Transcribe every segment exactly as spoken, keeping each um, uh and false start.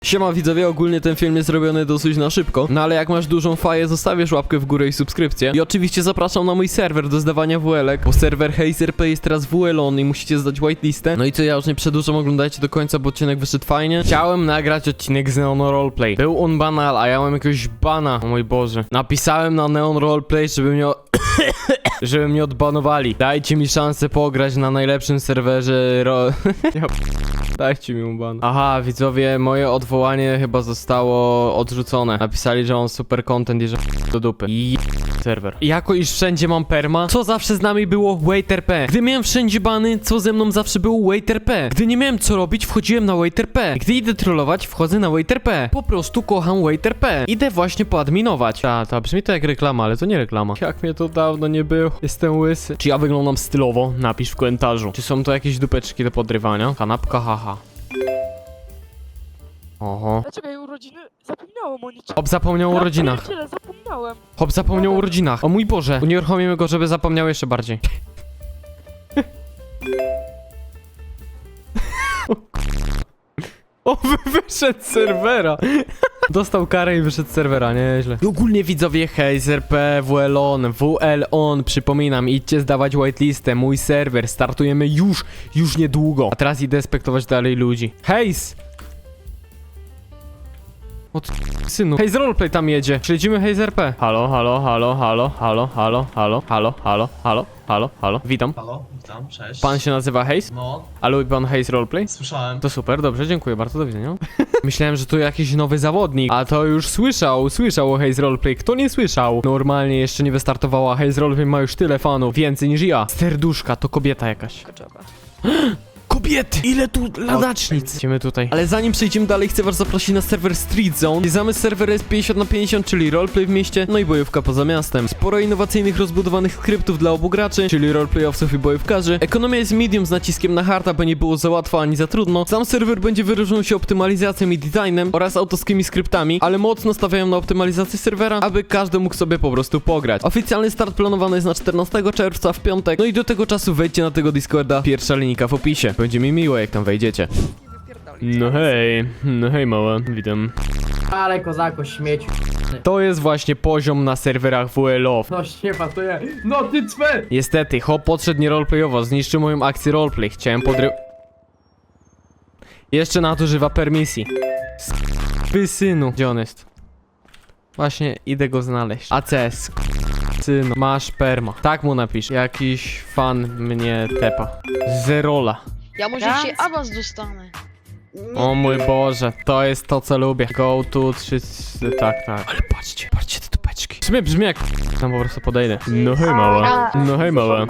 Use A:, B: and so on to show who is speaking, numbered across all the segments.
A: Siema widzowie, ogólnie ten film jest zrobiony dosyć na szybko, no ale jak masz dużą faję, zostawisz łapkę w górę i subskrypcję. I oczywiście zapraszam na mój serwer do zdawania W L-ek, bo serwer HazeRP jest teraz W L-on i musicie zdać whitelistę. No i co, ja już nie przedłużam, oglądajcie do końca, bo odcinek wyszedł fajnie. Chciałem nagrać odcinek z Neon Roleplay. Był on banal, a ja mam jakiegoś bana, o mój Boże. Napisałem na Neon Roleplay, żeby mnie... żeby mnie odbanowali. Dajcie mi szansę pograć na najlepszym serwerze ro... ja... Dajcie mi ban. Aha, widzowie, moje odwołanie chyba zostało odrzucone. Napisali, że mam super content i że do dupy. I serwer. Jako iż wszędzie mam perma, co zawsze z nami było WaitRP. Gdy miałem wszędzie bany, co ze mną zawsze było WaitRP. Gdy nie miałem co robić, wchodziłem na WaitRP. Gdy idę trollować, wchodzę na WaitRP. Po prostu kocham WaitRP. Idę właśnie poadminować. Ta, ta, brzmi to jak reklama, ale to nie reklama. Jak mnie to dawno nie było. Jestem łysy. Czy ja wyglądam stylowo? Napisz w komentarzu. Czy są to jakieś dupeczki do podrywania? Kanapka, haha. Oho.
B: Dlaczego jej urodziny? Zapomniałem o niczym.
A: Hop zapomniał o rodzinach.
B: Tyle, zapomniałem.
A: Hop zapomniał o rodzinach. O mój Boże. Unieruchomimy go, żeby zapomniał jeszcze bardziej. O, wy wyszedł z serwera. Dostał karę i wyszedł z serwera, nieźle. I ogólnie widzowie HazeRP, W L-on, W L-on, przypominam, idźcie zdawać whitelistę, mój serwer, startujemy już, już niedługo. A teraz idę spektować dalej ludzi. Haze! O ty, synu. Haze Roleplay tam jedzie. Śledzimy HazeRP. Halo, halo, halo, halo, halo, halo, halo, halo, halo, halo, halo, halo. Witam.
C: Halo, witam, cześć.
A: Pan się nazywa Haze?
C: No,
A: A lubi pan Haze Roleplay?
C: słyszałem.
A: To super, dobrze, dziękuję bardzo, do widzenia. Myślałem, że to jakiś nowy zawodnik, a to już słyszał, słyszał o Haze Roleplay. Kto nie słyszał? Normalnie jeszcze nie wystartowała, Haze Roleplay ma już tyle fanów, więcej niż ja. Serduszka, to kobieta jakaś. Kobiety! Ile tu ladacznic! Idziemy tutaj. Ale zanim przejdziemy dalej, chcę was zaprosić na serwer Street Zone. Zamysł serwera jest pięćdziesiąt na pięćdziesiąt, czyli roleplay w mieście, no i bojówka poza miastem. Sporo innowacyjnych, rozbudowanych skryptów dla obu graczy, czyli roleplayowców i bojówkarzy. Ekonomia jest medium z naciskiem na hard, aby nie było za łatwo ani za trudno. Sam serwer będzie wyróżniał się optymalizacją i designem oraz autorskimi skryptami, ale mocno stawiają na optymalizację serwera, aby każdy mógł sobie po prostu pograć. Oficjalny start planowany jest na czternastego czerwca w piątek, no i do tego czasu wejdźcie na tego Discorda, pierwsza linijka w opisie. Będzie mi miło, jak tam wejdziecie. No hej, no hej mała, witam.
D: Ale kozako, śmieć.
A: To jest właśnie poziom na serwerach W L O.
D: No się pasuje. No ty cwe!
A: Niestety, hop podszedł nie roleplayowo, zniszczył moją akcję roleplay. Chciałem podry... Jeszcze nadużywa permisji. Wy synu. Gdzie on jest? Właśnie idę go znaleźć. A C S. Synu, masz perma. Tak mu napisz. Jakiś fan mnie tepa. Zerola.
E: Ja może
B: Ja?
E: dzisiaj awans dostanę. Nie,
A: O mój Boże, to jest to, co lubię. Go to trzy... Tak, tak. Ale patrzcie, patrzcie te tupeczki. W sumie brzmi jak... Tam po prostu podejdę. No hej mała. No hej mała.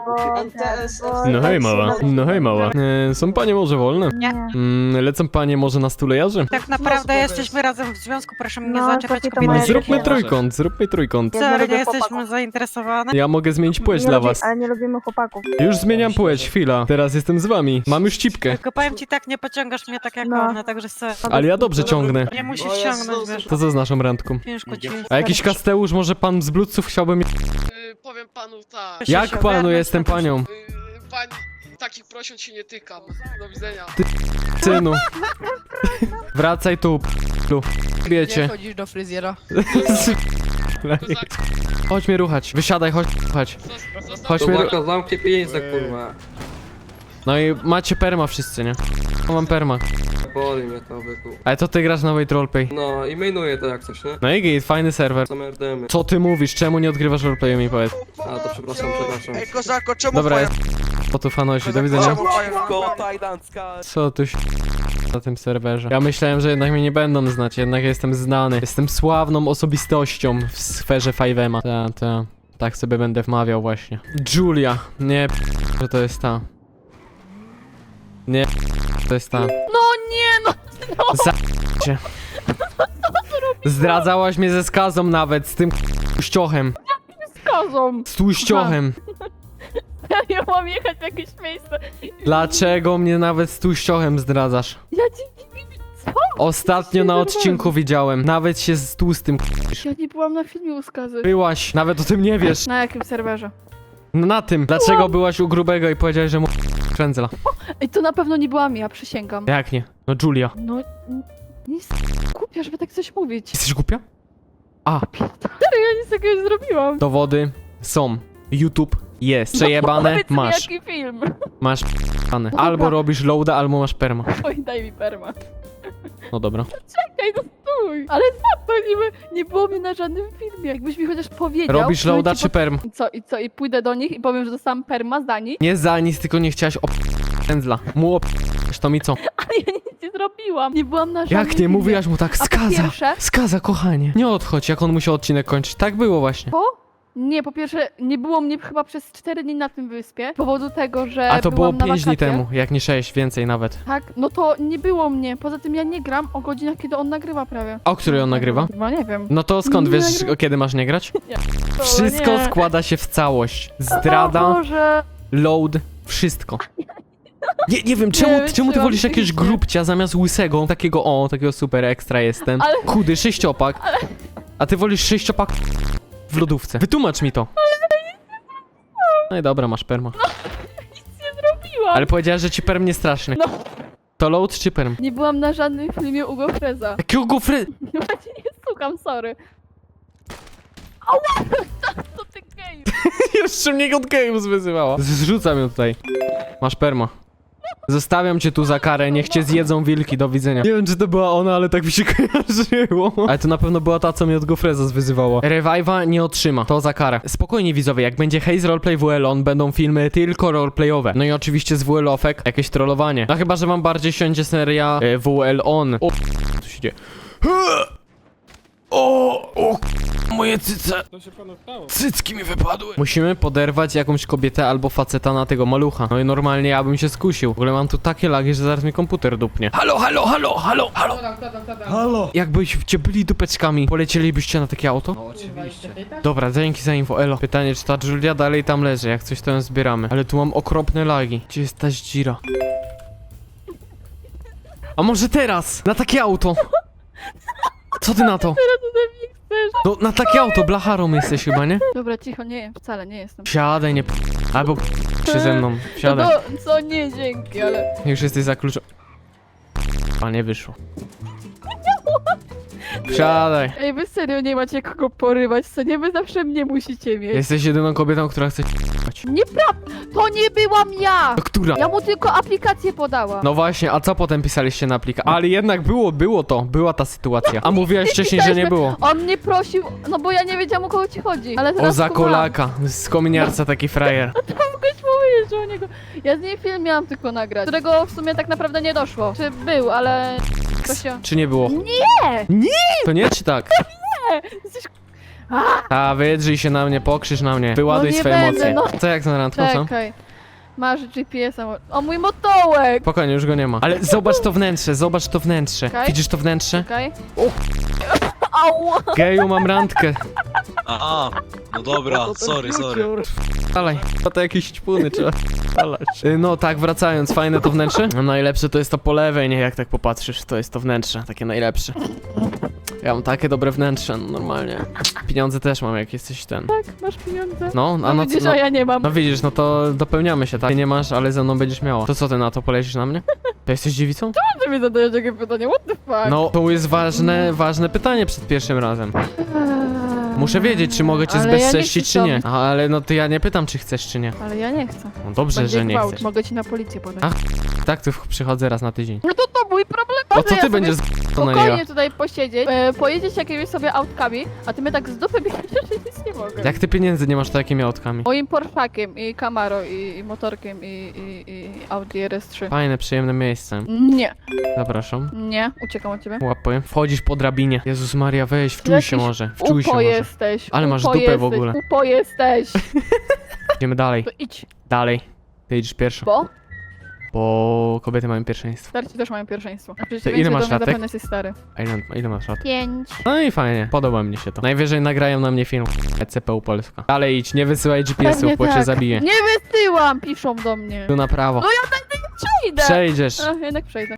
A: No hej mała. No hej mała. E, są panie może wolne?
B: Nie.
A: Mm, lecą panie może na stulejarzy?
B: Tak naprawdę jesteśmy razem w związku, proszę mnie
F: No,
B: zaczepiać
F: takie to
B: kobiety.
F: moje
A: Zróbmy
F: dzieci.
A: trójkąt, zróbmy trójkąt.
B: Serio,
F: lubię
B: nie jesteśmy
F: chłopaków.
B: zainteresowane?
A: Ja mogę zmienić płeć
F: Nie
A: dla
F: lubi-
A: was.
F: Ale nie lubimy chłopaków.
A: Już zmieniam płeć, chwila. Teraz jestem z wami. Mam już cipkę.
B: Tylko powiem ci tak, nie pociągasz mnie tak jak
F: No.
B: one, także se.
A: Ale ja dobrze ciągnę.
B: Nie musisz ciągnąć, wiesz.
A: To co z naszą randką?
B: Ciężko ci.
A: A jakiś Kasteusz, może pan z Bluetooth chciałby mi...
G: Yy, powiem panu tak.
B: Się
A: Jak panu,
B: ogarnąć,
A: jestem
B: to też-
A: panią.
G: Yy, pani, takich prosiąt się nie tykam. Do widzenia.
A: Synu. Wracaj tu, p***lu. Wiecie.
E: chodzisz do fryzjera.
G: Kozak,
A: Chodź mnie ruchać. Wysiadaj, chodź ruchać.
G: zos- zostaw
A: Chodź mnie ruchać.
H: Kozaka, zamknij pieniądze, kurwa.
A: No i macie perma wszyscy, nie? Ja mam perma.
H: Boli mnie to, byku.
A: Ale to ty grasz na Wait Roleplay.
H: No i mainuję to jak coś, nie?
A: No i git, fajny serwer.
H: Same R D M-y.
A: Co ty mówisz? Czemu nie odgrywasz roleplayu, mi powiedz?
H: A, to przepraszam, przepraszam.
I: Ej, kozako, czemu
A: Dobra, jest... Po tu fanosi, do widzenia.
I: Czemu tajdanska?
A: Co tu się... na tym serwerze? Ja myślałem, że jednak mnie nie będą znać, jednak jestem znany. Jestem sławną osobistością w sferze five M a. Ta, ta. Tak sobie będę wmawiał właśnie. Julia. Nie, p- że to jest ta. Nie, p- to jest ta.
E: No nie no!
A: Za... cię. Zdradzałaś mnie ze skazą nawet, z tym tłuściochem.
E: Kozą!
A: Z tłuściochem.
E: Ja mam jechać w jakieś miejsce.
A: Dlaczego mnie nawet z tłuściochem zdradzasz?
E: Ja ci... Co?
A: Ostatnio na odcinku widziałem. Nawet się z tłustym k***isz.
E: Ja nie byłam na filmie u skazy.
A: Byłaś, nawet o tym nie wiesz.
E: Na jakim serwerze?
A: No na tym. Dlaczego byłaś u grubego i powiedziałeś, że mu krędzla?
E: Ej, to na pewno nie byłam ja, przysięgam.
A: Jak nie? No Julia.
E: No... Nie głupia, żeby tak coś mówić.
A: Jesteś głupia? A,
E: Serio, ja nic takiego nie zrobiłam.
A: dowody są. YouTube jest. Przejebane
E: Powiedz mi,
A: masz.
E: jaki film?
A: Masz p***ane.
E: No
A: Albo
E: dobra.
A: robisz loada, albo masz perma.
E: Oj, daj mi perma.
A: No dobra.
E: Czekaj, no stój. Ale co to niby nie było mnie na żadnym filmie. Jakbyś mi chociaż powiedział.
A: Robisz
E: to bym
A: loada
E: ci
A: czy perm?
E: po- I co, i co, i pójdę do nich i powiem, że dostałam perma za nich,
A: Nie za nic, tylko nie chciałaś op... pędzla. Mu op... to mi co?
E: ale ja nic nie zrobiłam. Nie byłam na żadnym
A: Jak nie
E: filmie.
A: mówiłaś mu tak?
E: A po
A: Skaza!
E: pierwsze-
A: Skaza, kochanie. Nie odchodź, jak on musiał odcinek kończyć. Tak było właśnie.
E: Po? Nie, po pierwsze, nie było mnie chyba przez cztery dni na tym wyspie, z powodu tego, że
A: A to było
E: byłam na
A: pięć dni
E: wakacjach.
A: temu, jak nie sześć, więcej nawet.
E: Tak, no to nie było mnie. Poza tym ja nie gram o godzinach, kiedy on nagrywa prawie.
A: A o której on nagrywa?
E: Chyba nie wiem.
A: No to skąd
E: Nie
A: wiesz,
E: nagrywa-
A: kiedy masz nie grać?
E: To
A: Wszystko
E: nie.
A: składa się w całość.
E: O
A: Zdrada,
E: Boże.
A: load, wszystko. Nie, nie wiem, czemu,
E: Nie
A: czemu ty
E: wytrzymam
A: wolisz jakiegoś
E: psychicznie.
A: grubcia zamiast łysego? Takiego, o, takiego super ekstra jestem.
E: Ale-
A: Chudy, sześciopak. A ty wolisz sześciopak w lodówce. Wytłumacz mi to. No i dobra, masz perma.
E: Zrobiłam.
A: Ale powiedziałeś, że ci perm nie straszny.
E: No.
A: To load czy perm?
E: Nie byłam na żadnym filmie Ugo Freza.
A: Jakiego gofry...
E: Właśnie nie słucham, sorry. Ała! To ty geju.
A: Jeszcze mnie od Games wyzywała. Zrzucam ją tutaj. Masz perma. Zostawiam cię tu za karę, niech cię zjedzą wilki, do widzenia. Nie wiem, czy to była ona, ale tak mi się kojarzyło. Ale to na pewno była ta, co mnie od Gofreza wyzywała. Revive'a nie otrzyma, to za karę. Spokojnie widzowie, jak będzie Haze Roleplay W L on, będą filmy tylko roleplayowe. No i oczywiście z W L ofek jakieś trollowanie. No chyba, że wam bardziej siądzie seria e, W L on. O, co się dzieje? O, o, moje cyce. Cycki mi wypadły. Musimy poderwać jakąś kobietę albo faceta na tego malucha. No i normalnie ja bym się skusił. W ogóle mam tu takie lagi, że zaraz mi komputer dupnie. Halo, halo, halo, halo, halo. Halo. Jakbyście byli dupeczkami, polecielibyście na takie auto?
D: No oczywiście.
A: Dobra, dzięki za info, elo. Pytanie, czy ta Julia dalej tam leży? Jak coś to ją zbieramy. Ale tu mam okropne lagi. Gdzie jest ta dzira? A może teraz? Na takie auto? Co ty na to?
E: Teraz ode mnie chcesz.
A: No na takie auto, blacharą jesteś chyba, nie?
E: Dobra, cicho, nie, wcale nie jestem.
A: Siadaj, nie p... Albo p... się ze mną. Siadaj.
E: No to, co nie, dzięki, ale...
A: Już jesteś za kluczem. A nie wyszło. Siadaj.
E: Ej, wy serio nie macie kogo porywać, co nie? Wy zawsze mnie musicie mieć.
A: Jesteś jedyną kobietą, która chce c***ać.
E: Nieprawda! To nie byłam ja!
A: To która?
E: Ja mu tylko aplikację podałam.
A: No właśnie, a co potem pisaliście na plika? Ale jednak było, było to, była ta sytuacja. A mówiłaś wcześniej, że nie było.
E: On mnie prosił, no bo ja nie wiedziałam, o kogo ci chodzi. Ale
A: O
E: teraz
A: za
E: kumam.
A: kolaka, z kominiarca taki frajer.
E: Mogłeś powiedzieć, że o niego... Ja z niej film miałam tylko nagrać, którego w sumie tak naprawdę nie doszło. Czy był, ale... To się...
A: Czy nie było?
E: Nie!
A: Nie! To nie, czy tak?
E: Jesteś...
A: A, wydrzyj się na mnie, pokrzyż na mnie, wyładuj
E: No nie
A: swoje
E: będę,
A: emocje.
E: no.
A: Co jak to na randką, co?
E: Czekaj. Masz G P S-a. O, mój motołek!
A: Spokojnie, już go nie ma. Ale zobacz to wnętrze, zobacz to wnętrze.
E: Okej.
A: Widzisz to wnętrze?
E: Czekaj. Ała!
A: Geju, mam randkę.
I: Aha, no dobra, sorry, sorry.
A: Dalej, to, to jakieś ćpuny trzeba spalać. Y, No tak, wracając, fajne to wnętrze? No najlepsze to jest to po lewej, nie? Jak tak popatrzysz, to jest to wnętrze, takie najlepsze. Ja mam takie dobre wnętrze, no normalnie. Pieniądze też mam, jak jesteś ten.
E: Tak, masz pieniądze.
A: No, a
E: No,
A: no,
E: widzisz,
A: no,
E: a ja nie mam.
A: no widzisz, no to dopełniamy się, tak? Ty nie masz, ale ze mną będziesz miała. To co ty na to, polecisz na mnie? To jesteś dziewicą?
E: Czy mi zadajesz takie pytanie? What the fuck?
A: No, to jest ważne, ważne pytanie przed pierwszym razem.
E: Eee,
A: Muszę wiedzieć, czy mogę cię
E: ale ja nie
A: zbezcześcić,
E: chcę
A: czy nie.
E: tam.
A: A, ale no to ja nie pytam, czy chcesz, czy nie.
E: Ale ja nie chcę.
A: No dobrze,
E: Będzie
A: że nie
E: gwałt.
A: chcesz.
E: Mogę ci na policję podać.
A: A, Tak, tu przychodzę raz na tydzień.
E: No to to mój problem.
A: O
E: że
A: co
E: ja
A: ty
E: sobie
A: będziesz z to na
E: spokojnie
A: niego?
E: tutaj posiedzieć, e, pojedzieć jakimiś sobie autkami, a ty mnie tak z dupy bierzesz, że nic nie mogę.
A: Jak ty pieniędzy nie masz, to jakimi autkami?
E: Moim Porszakiem i Camaro i, i motorkiem i, i, i Audi R S trzy.
A: Fajne, przyjemne miejsce.
E: Nie,
A: Zapraszam.
E: nie, uciekam od ciebie.
A: Łapuję. Wchodzisz po drabinie. Jezus Maria, weź, wczuj się
E: Jakiś
A: może. Wczuj się
E: Upo
A: może.
E: jesteś.
A: Ale masz
E: upo
A: dupę w
E: jesteś,
A: ogóle.
E: Upo jesteś.
A: Idziemy dalej.
E: To idź,
A: Dalej. Ty idziesz pierwsza.
E: bo
A: Bo kobiety mają pierwszeństwo.
E: starci też mają pierwszeństwo. A przecież
A: To
E: ty
A: ile
E: ile
A: masz
E: masz
A: latek?
E: zapewne jesteś stary.
A: A ile, ile masz lat?
E: Pięć.
A: No i fajnie. Podoba mi się to. Najwyżej nagrają na mnie film. C P U Polska. Dalej idź, nie wysyłaj G P S-ów,
E: Pewnie
A: bo cię
E: tak.
A: zabiję.
E: Nie wysyłam, piszą do mnie.
A: Tu na prawo.
E: No ja tak nie przejdę.
A: Przejdziesz.
E: A, jednak przejdę.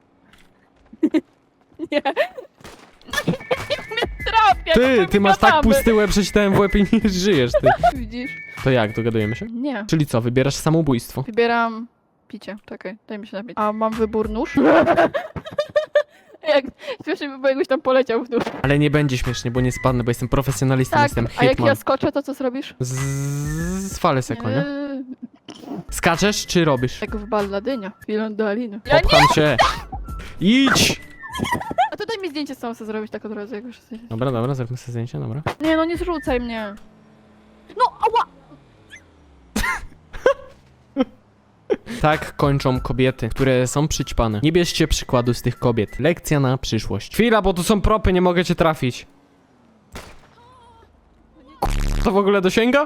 E: Nie. Nie mnie trafia,
A: Ty,
E: to
A: ty
E: my
A: masz tak
E: gadamy.
A: pusty łeb, przeczytałem w łeb i nie żyjesz, ty.
E: Widzisz?
A: To jak, dogadujemy się?
E: Nie.
A: Czyli co, wybierasz samobójstwo?
E: Wybieram picie. Czekaj, daj mi się napić. A mam wybór nóż? Jak śmiesznie by było, jakbyś tam poleciał w dół.
A: Ale nie będzie śmiesznie, bo nie spadnę, bo jestem profesjonalistą,
E: Tak,
A: jestem
E: a jak
A: hitman.
E: ja skoczę, to co zrobisz?
A: Z... z fale seko, nie?
E: Eee,
A: Skaczesz czy robisz?
E: Jak w Balladynia, Filon do Aliny. Ja nie!
A: Popcham cię. Idź!
E: A tutaj mi zdjęcie z sobą chcę zrobić tak od razu, jak już jesteś.
A: Dobra, dobra, zróbmy sobie zdjęcie, dobra.
E: Nie no, nie zrzucaj mnie. No, ała!
A: Tak kończą kobiety, które są przyćpane. Nie bierzcie przykładu z tych kobiet. Lekcja na przyszłość. Chwila, bo tu są propy, nie mogę cię trafić. To w ogóle dosięga?